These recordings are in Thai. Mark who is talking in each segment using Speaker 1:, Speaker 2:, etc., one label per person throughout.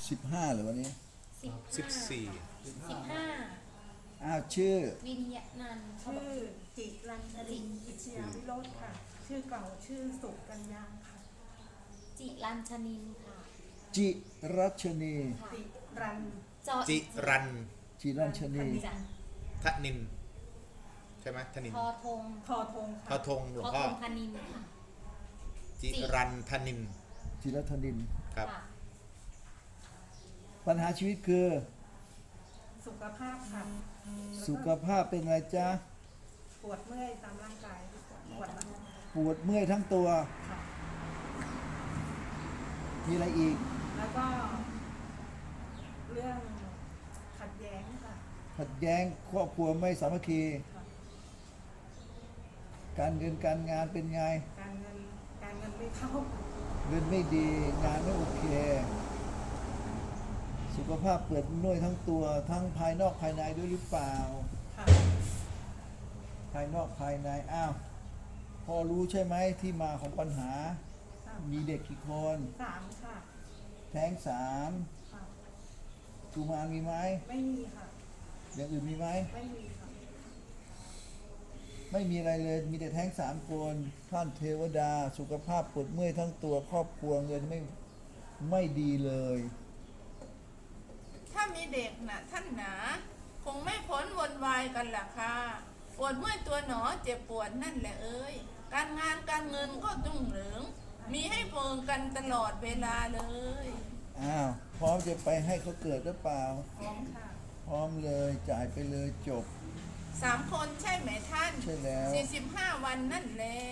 Speaker 1: 15หรือวันนี้
Speaker 2: 14
Speaker 3: 15
Speaker 1: ชื่อ
Speaker 3: วิญญาณนันท์เขาบอ
Speaker 4: ชื่อก จิรัญชลินอิชยาวิโรจน์ค่ะ ชื่อเก่าชื่อสุกัญญาค่ะ
Speaker 3: จิรัญชนินค่ะ
Speaker 1: จิรัชนี
Speaker 3: ค่ะ
Speaker 4: จิรัน
Speaker 2: จิรัน
Speaker 1: จิรัชนี
Speaker 3: จัน
Speaker 2: ทนินใช่ไหมทนิน
Speaker 3: ทอธง
Speaker 4: ทอธง
Speaker 2: ทอ
Speaker 4: ค่ะ
Speaker 2: ธงหลว
Speaker 3: ท
Speaker 2: ง
Speaker 3: อ
Speaker 2: พ่อ
Speaker 3: ธงพนินค่ะ
Speaker 2: จิรันทนิน
Speaker 1: จิรัชนิน
Speaker 2: ครับ
Speaker 3: ค่ะ
Speaker 1: ปัญหาชีวิตคือ
Speaker 4: สุขภาพค่ะ
Speaker 1: สุขภาพเป็นอะไรจ๊ะ
Speaker 4: ปวดเมื่อยตามร่างกายปวดหลัง
Speaker 1: ปวดเมื่อยทั้งตัว
Speaker 4: ค่ะ
Speaker 1: มีอะไรอีก
Speaker 4: แล้วก็ เรื่องขัดแย้งค่ะ
Speaker 1: ขัดแย้งครอบครัวไม่สามัคคี
Speaker 4: ค่ะ
Speaker 1: การเงินการงานเป็นไง
Speaker 4: การเงินไม่เข้า
Speaker 1: เงินไม่ดีงานไม่โอเค สุขภาพเปิดน่วยทั้งตัวทั้งภายนอกภายในด้วยหรือเปล่า
Speaker 4: ค่ะ
Speaker 1: ภายนอกภายในพอรู้ใช่ไหมที่มาของปัญหา มีเด็กกี่คน
Speaker 4: 3ค่ะ
Speaker 1: แท้งสาม
Speaker 4: ค่ะ
Speaker 1: กุมารมีไหม
Speaker 4: ไม่มีค่ะ
Speaker 1: อย่างอื่นมีไหม
Speaker 4: ไม่มีค่ะ
Speaker 1: ไม่มีอะไรเลยมีแต่แท้ง3 คนท่านเทวดาสุขภาพปวดเมื่อยทั้งตัวครอบครัวเงินไม่ดีเลย
Speaker 5: ถ้ามีเด็กน่ะท่านหนาคงไม่พ้นวนวายกันล่ะค่ะปวดเมื่อยตัวหนอเจ็บปวดนั่นแหละเอ้ยการงานการเงินก็รุ่งเรืองมีให้เพิงกันตลอดเวลาเลย
Speaker 1: พร้อมจะไปให้เขาเกิดหรือเปล่า
Speaker 4: พร้อมค่ะ
Speaker 1: พร้อมเลยจ่ายไปเลยจบ
Speaker 5: 3 คนใช่ไหมท่าน
Speaker 1: ใช่แล้ว
Speaker 5: 45 วันนั่นแหละ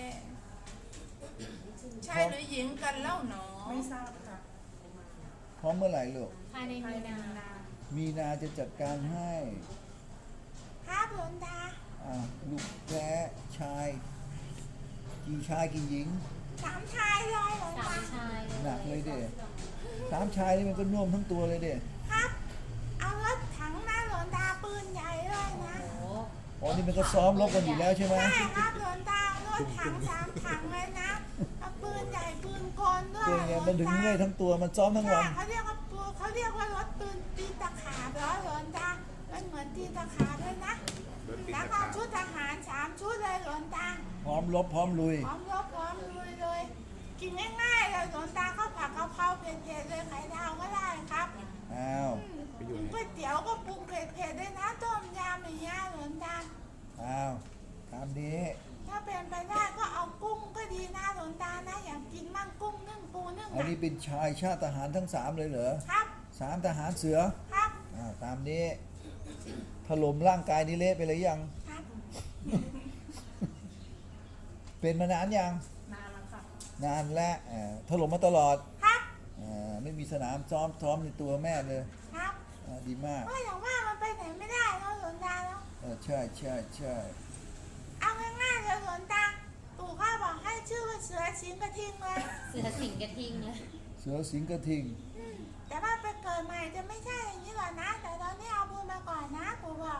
Speaker 5: ชายหรือหญิงกันเล่าหนอ
Speaker 4: ไม่ทราบค่ะ
Speaker 1: พร้อมเมื่อไหร่ลูก
Speaker 3: ภายใน
Speaker 4: ภาย
Speaker 3: มี
Speaker 4: ใน
Speaker 3: นา
Speaker 4: มีนา
Speaker 1: มีนาจะจัดการให้
Speaker 5: ครับหลวงตา
Speaker 1: ลูกแท้ชายกี่ชายกี่หญิง
Speaker 5: 3 ชายเลยหลวง
Speaker 3: สา
Speaker 5: ตาม
Speaker 3: ชายเลย
Speaker 1: หนักเลยเด้3 ชายนี่มันก็น่วมทั้งตัวเลยเด้
Speaker 5: ครับ เอารถถังหน้าหลวงตาปืนใหญ่เลยนะ
Speaker 3: โอ้โห
Speaker 1: อ๋อนี่มันก็ซ้อมรบกันอยู่แล้วใช่ไหม
Speaker 5: ใช่ครับหลวงตารถถัง3 ถังเลยนะเอาปืนใหญ่ปืนกลด้วย
Speaker 1: เป็นไงมันถึงเมื่อยทั้งตัวมันซ้อมทั้งวัน
Speaker 5: เขาเรียกว่ารถปืนตีตะขาบเหรอหลวงตามันเหมือนตีตะขาบเลยนะ แล้วก็ชุดทหาร3 ชุดเลยหลวงตา
Speaker 1: พร้อมรบพร้อมลุย
Speaker 5: พร้อมรบพร้อมลุยเลย กินง่ายๆเลยหลวงตาข้าวผัดกะเพราเผ็ดๆเลยไข่ดาวก็ได้ครับ กินก๋วยเตี๋ยวก็ปรุงเผ็ดๆด้วยนะต้มยำอย่างเงี้ยหลวงตา
Speaker 1: ตามนี้
Speaker 5: ถ้าเป็นไปได้ก็เอากุ้งก็ดีนะหลวงตานะอยากกินมั่งกุ้งนึ่งปูนึ่ง
Speaker 1: อันนี้
Speaker 5: นะ
Speaker 1: เป็นชายชาติทหารทั้ง3เลยเหรอ
Speaker 5: ครับ
Speaker 1: 3 ทหารเสือ
Speaker 5: ครับ
Speaker 1: ตามนี้ถล่มร่างกายนี่เละไปเลยยัง
Speaker 5: ครับ
Speaker 1: เป็นมานานยัง
Speaker 4: นานแล้วค่ะ
Speaker 1: นานแล้วถล่มมาตลอด
Speaker 5: ครับ
Speaker 1: ไม่มีสนามซ้อมในตัวแม่เลย
Speaker 5: ครับ
Speaker 1: ดีมาก
Speaker 5: ก็อย่างว่ามันไปไหนไม่ได้เนาะหลวงตาเนาะ
Speaker 1: ใช่ใช่ใช่
Speaker 5: เอาง่ายๆเลยหลวงตาปู่ข้าบอกให้ชื่อว่าเสือสิงกระทิงเลย
Speaker 3: เสือสิงกระทิงเลย
Speaker 1: เสือสิงกระทิง
Speaker 5: แต่ว่าไปเกิดใหม่จะไม่ใช่อย่างนี้หรอกนะ แต่ตอนนี้เอาบุญมาก่อนนะปู่บอก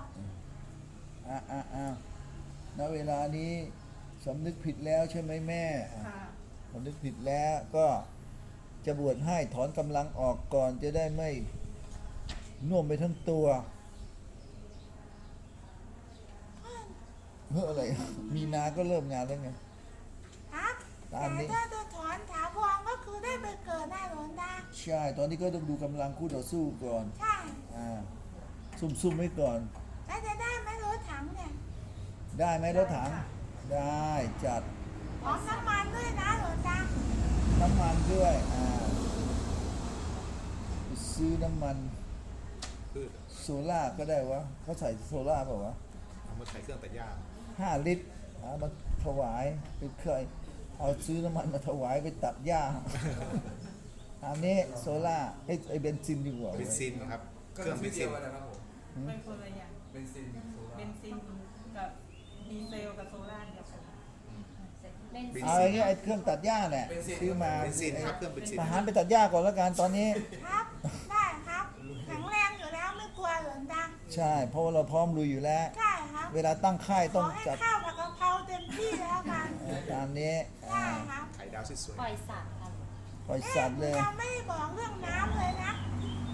Speaker 1: ณเวลานี้สำนึกผิดแล้วใช่ไหมแม่
Speaker 4: ค่ะ
Speaker 1: สำนึกผิดแล้วก็จะบวชให้ถอนกำลังออกก่อนจะได้ไม่น่วมไปทั้งตัวอะไร มีนาก็เริ่มงานแล้วไง
Speaker 5: ครับ
Speaker 1: ตามนี้
Speaker 5: แต่ถ้าจะถอนถาวรก็คือได้ไปเกิดหน้าหลวงตา
Speaker 1: ใช่ ตอนนี้ก็ต้องดูกำลังคู่ต่อสู้ก่อน
Speaker 5: ใช่
Speaker 1: ซุ่มๆไว้ก่อน
Speaker 5: แล้วจะได้ไหมรถถังเนี่ย
Speaker 1: ได้ไหมรถถัง ได้จัด
Speaker 5: พร้อมน้ำมันด้วยนะหลวงตา
Speaker 1: น้ำมันด้วยไปซื้อน้ำมัน
Speaker 2: พืช
Speaker 1: โซล่าก็ได้วะเขาใส่โซล่าเปล่าวะ
Speaker 2: เอามาใช้เครื่องตัดหญ้า
Speaker 1: 5 ลิตรเอามาถวายไปเคยเอาซื้อน้ำมันมาถวายไปตัดหญ้า อันนี้โซล่าไอเบนซินดีกว่า
Speaker 2: เบนซินครับ เครื่องเบนซิน
Speaker 6: นะครับผม
Speaker 4: เป็นคนละอย่าง
Speaker 6: เป็นซินโซล่า
Speaker 4: เบนซินกับดีเซลกับโซล่าเดียวกัน
Speaker 3: เล่น
Speaker 1: เอาไอ้เนี่ยไอเครื่องตัดหญ้าเนี่ยซื้อมา
Speaker 2: เบนซินครับเครื่องเบนซิน
Speaker 1: ทหารไปตัดหญ้าก่อนแล้วกันตอนนี้
Speaker 5: ครับ ได้ครับแข็งแรงอยู่แล้วไม่กลัวหลวงตา
Speaker 1: ใช่ เพราะว่าเราพร้อมลุยอยู่แล้ว
Speaker 5: ใช่ครับ
Speaker 1: เวลาตั้งค่าย
Speaker 5: ข
Speaker 1: ต้
Speaker 5: อ
Speaker 1: อง
Speaker 5: ให้
Speaker 1: จัด
Speaker 5: ข้าวผัดกะเพราเต็มที่แล้วกัน
Speaker 1: ตามนี้
Speaker 5: ใช่ครับ
Speaker 2: ไข่ดาวสวย
Speaker 3: ปล่อยสัตว์ค่ะ
Speaker 1: ปล่อยสัตว์เลย
Speaker 5: เราไม่ได้บอกเรื่องน้ำเลยนะ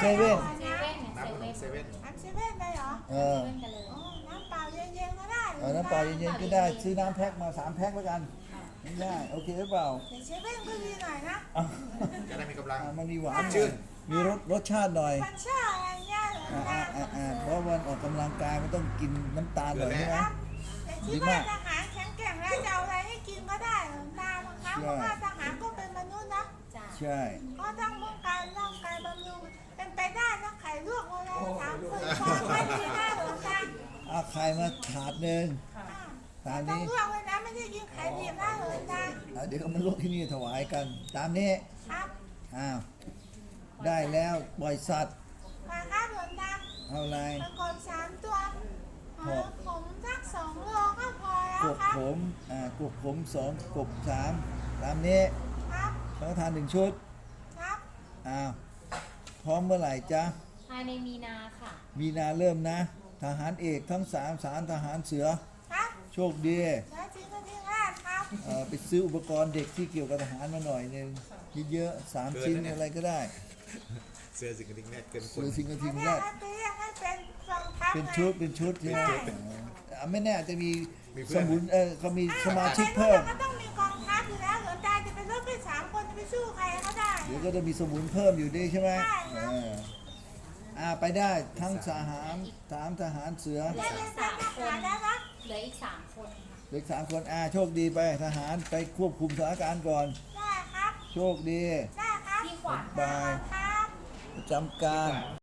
Speaker 1: เซเว่น
Speaker 3: เซเว่นเนี่ย
Speaker 2: น้ำขนม
Speaker 3: เซ
Speaker 2: เซ
Speaker 3: เว่น
Speaker 2: เว่น
Speaker 4: น้ำเซเว่นได้เหรอ
Speaker 1: เอ
Speaker 3: เซ
Speaker 1: อ
Speaker 3: เว่นกันเลย
Speaker 4: อ๋อน้ำเปล่าเย็นๆก็ได้
Speaker 1: เอาน้ำเปล่าเย็นๆก็ได้ซื้อน้ำแพ็คมา3 แพ็คแล้วกันง่ายๆโอเคหรือเปล่า
Speaker 4: แต่เซเว่นก็ดีหน่อยนะ
Speaker 1: อ่ะ
Speaker 2: จะได้มีกำลัง
Speaker 1: มันมีหวาน
Speaker 2: ชื่น
Speaker 1: มีรสชาติหน่อย
Speaker 4: มันชาอะไรเงี้ยเหรอ
Speaker 1: เพราะวันออกกำลังกายมันต้องกินน้ำตาลหน่อยใช่ไหม
Speaker 4: แต่คิดว่าทหารแข็งแกร่งแล้วจะเอาอะไรให้กินก็ได้เหรอตาบางครั้งเพราะว่าทหารก็เป็นมนุษย์นะ
Speaker 3: จ้ะ
Speaker 1: ใช่
Speaker 4: ก็ต้องป้องกันร่างกายบำรุงเป็นไปได้ถ้าไข่ลวกอะไรถามคนพอไม่ดีนะหลวงตา
Speaker 1: เอาไข่มาถาดหนึ่งตาม
Speaker 4: ต้อง
Speaker 1: นี้
Speaker 4: ลวกเลยนะไม่ใช่กินไข่ดิบนะหลวงตา
Speaker 1: เดี๋ยวก็มาลวกที่นี่ถวายกัน ตามนี้
Speaker 4: ครับ
Speaker 1: อ้าวได้แล้วปล่อยสัตว์
Speaker 4: มาครับหลวงตา
Speaker 1: เอาอะไร
Speaker 4: ประกบ3 ตัวผมสัก2 โลก็พอแล้ว
Speaker 1: กบ
Speaker 4: ครับ
Speaker 1: ผมกบผม2กบ3ตามนี้
Speaker 4: ครับ
Speaker 1: สังฆทาน1 ชุด
Speaker 4: ครับ
Speaker 1: อ้าวพร้อมเมื่อไหร่จ๊ะ
Speaker 3: ภายในมีนาค่ะ
Speaker 1: มีนาเริ่มนะ ทหารเอกทั้ง3 ทหารเสือ
Speaker 4: ครับ
Speaker 1: โชคดี
Speaker 4: แล้วจริงก็ทิ้งราดครับ
Speaker 1: ไปซื้ออุปกรณ์เด็กที่เกี่ยวกับทหารมาหน่อยหนึงเยอะๆ3 ชิ้นอะไรก็ได้
Speaker 2: เสื้อสิงกระดิ่งแน่เกินค
Speaker 1: หรื
Speaker 2: น
Speaker 1: อสิ่งกระ
Speaker 4: อั
Speaker 1: ทิ
Speaker 4: น
Speaker 1: ง
Speaker 4: นี้
Speaker 1: ได้
Speaker 4: ให้เป็นกองทัพ
Speaker 1: เป็น
Speaker 4: ไง
Speaker 1: ชุดใช่ไหมไม่แน่อาจจะมี
Speaker 2: มีเพื่
Speaker 1: ส
Speaker 2: อน
Speaker 1: มุนเขามีสมาชิกเพิ่ม
Speaker 4: ก็ต้องมีกองทัพอยู่แล้วหลวงตาจะเป็นรถไป3 คนจะไปสู้ใครเขาได้
Speaker 1: เดี๋ยวก็จะมีสมุนเพิ่มอยู่ดีใช่ไหม
Speaker 4: ใช่ครับ
Speaker 1: ไปได้ทั้งทหารทหารเสือ
Speaker 3: เหลื
Speaker 4: ได้
Speaker 3: อ
Speaker 4: เป็
Speaker 3: อี
Speaker 4: น
Speaker 3: ก
Speaker 4: ท
Speaker 3: 3 ค
Speaker 4: หาร
Speaker 3: น
Speaker 4: แล้วครับ
Speaker 3: เหลืออีก3 คนค่ะ
Speaker 1: เด็ก3 คนโชคดีไปทหารไปควบคุมสถานการณ์ก่อน
Speaker 4: ได้ครับ
Speaker 1: โชคดี
Speaker 4: ได้ครับ
Speaker 3: พี่ขวัญ
Speaker 1: บาย
Speaker 4: ครับ
Speaker 1: ประจำการ